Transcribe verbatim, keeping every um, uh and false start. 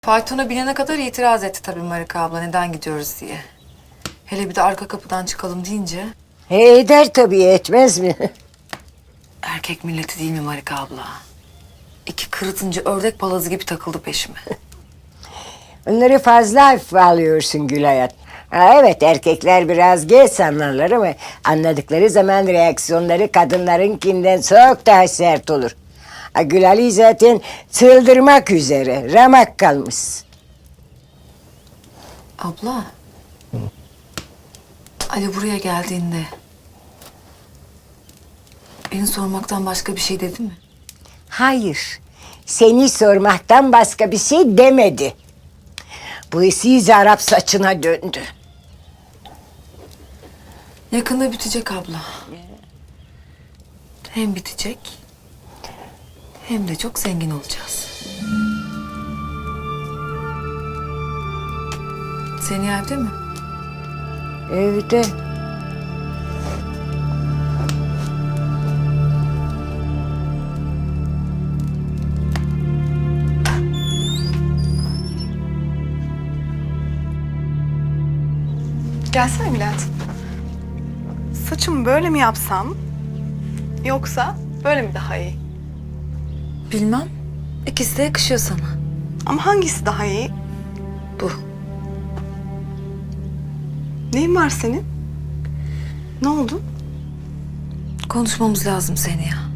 Faytona binene kadar itiraz etti tabii Marika abla neden gidiyoruz diye. Hele bir de arka kapıdan çıkalım deyince. He, eder tabii, etmez mi? Erkek milleti değil mi Marika abla? İki kırıtıncı ördek palazı gibi takıldı peşime. Onları fazla hafife alıyorsun Gülayat. Ha, evet, erkekler biraz geç anlarlar ama anladıkları zaman reaksiyonları kadınlarınkinden çok daha sert olur. Ha, Gülali zaten çıldırmak üzere, ramak kalmış. Abla. Ali buraya geldiğinde beni sormaktan başka bir şey dedi mi? Hayır, seni sormaktan başka bir şey demedi. Bu iş iyice Arap saçına döndü. Yakında bitecek abla. Hem bitecek hem de çok zengin olacağız. Seni evde mi? Evde. Gelsene Bülent. Saçımı böyle mi yapsam? Yoksa böyle mi daha iyi? Bilmem. İkisi de yakışıyor sana. Ama hangisi daha iyi? Bu. Neyin var senin? Ne oldu? Konuşmamız lazım seni ya.